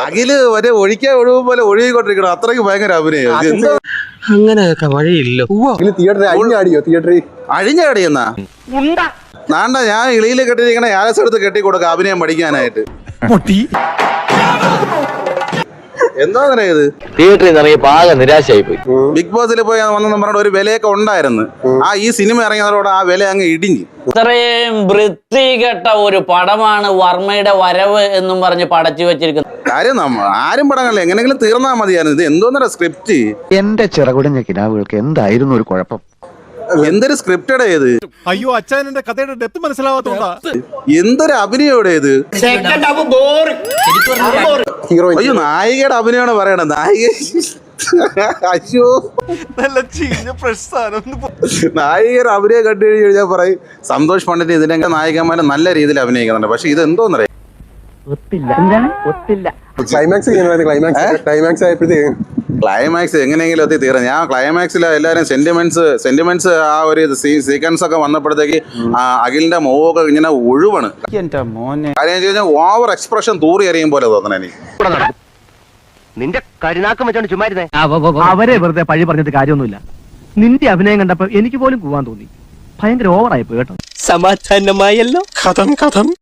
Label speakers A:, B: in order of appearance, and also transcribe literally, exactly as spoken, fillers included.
A: അഖില് ഒരേ ഒഴിക്കാൻ ഒഴിവ് പോലെ ഒഴുകിക്കൊണ്ടിരിക്കണം. അത്രയ്ക്ക് ഭയങ്കര അഭിനയം.
B: അങ്ങനെയൊക്കെ വഴിയില്ലോ.
C: തിയേറ്ററിൽ അഴിഞ്ഞാടിയോ? തിയേറ്ററിൽ
A: അഴിഞ്ഞാടിയെന്നാ നാണ്ട ഞാൻ ഇളിയിൽ കെട്ടിരിക്കണ ആലസ് എടുത്ത് കെട്ടി കൊടുക്ക അഭിനയം പഠിക്കാനായിട്ട്. എന്താ ഇത്?
D: തിയേറ്ററിൽ നിന്ന് ഇറങ്ങിയപ്പോ ആകെ നിരാശയായി പോയി.
A: ബിഗ് ബോസിൽ പോയി വന്നെന്ന് പറഞ്ഞ ഒരു വിലയൊക്കെ ഉണ്ടായിരുന്നു. ആ ഈ സിനിമ ഇറങ്ങിയതോടെ ആ വില അങ്ങ് ഇടിഞ്ഞു.
E: ഇത്രയും വൃത്തികെട്ട ഒരു പടമാണ് വർമ്മയുടെ വരവ് എന്നും പറഞ്ഞ് പടച്ചു വെച്ചിരിക്കുന്നത്.
A: കാര്യം നമ്മ ആരും പടങ്ങളില്ല, എങ്ങനെങ്കിലും തീർന്നാ മതിയായിരുന്നു. ഇത് എന്തോന്നര സ്ക്രിപ്റ്റ്.
F: എന്റെ ചിറകുടഞ്ഞ കിനാവുകൾക്ക് എന്തായിരുന്നു ഒരു കുഴപ്പം?
A: എന്തൊരു സ്ക്രിപ്റ്റഡ് ഇത്.
G: അയ്യോ അച്ഛൻ എന്റെ കഥയുടെ ഡെപ്ത് മനസ്സിലാവാത്തോണ്ടാ.
A: എന്തൊരു അഭിനയോടെ ഇത്. അയ്യോ നായികയുടെ അഭിനയമാണ് പറയണത്. നായിക അയ്യോ നായികയുടെ അഭിനയം കണ്ടു കഴിഞ്ഞാൽ പറയും സന്തോഷ് പണ്ഡിറ്റ് ഇതിന്റെ നായികന്മാരെ നല്ല രീതിയിൽ അഭിനയിക്കുന്നുണ്ട്. പക്ഷെ ഇത് എന്തോന്നറിയാം,
C: ക്ലൈമാക്സ് ക്ലൈമാക്സ് ക്ലൈമാക്സ് ആയപ്പോഴത്തേക്കും
A: ക്ലൈമാക്സ് എങ്ങനെയെങ്കിലും എത്തി തീരാം. ഞാൻ ക്ലൈമാക്സിൽ എല്ലാവരും സെന്റിമെന്റ്സ് സെന്റിമെന്റ്സ് ആ ഒരു സീക്വൻസ് ഒക്കെ വന്നപ്പോഴത്തേക്ക് അഖിലിന്റെ മുഖമൊക്കെ ഇങ്ങനെ ഒഴിവാണ്. കാര്യം വെച്ച് കഴിഞ്ഞാൽ ഓവർ എക്സ്പ്രഷൻ തൂറി എറിയും പോലെ തോന്നണ എനിക്ക്.
F: നിന്റെ കരുനാക്കം വെച്ചോണ്ട് ചുമ്മാരുന്നേ.
B: അവരെ വെറുതെ പഴി പറഞ്ഞിട്ട് കാര്യമൊന്നുമില്ല. നിന്റെ അഭിനയം കണ്ടപ്പോ എനിക്ക് പോലും പോവാൻ തോന്നി. ഭയങ്കര ഓവറായി പോയി കേട്ടോ.
H: സമാധാനമായല്ലോ. കഥം കഥം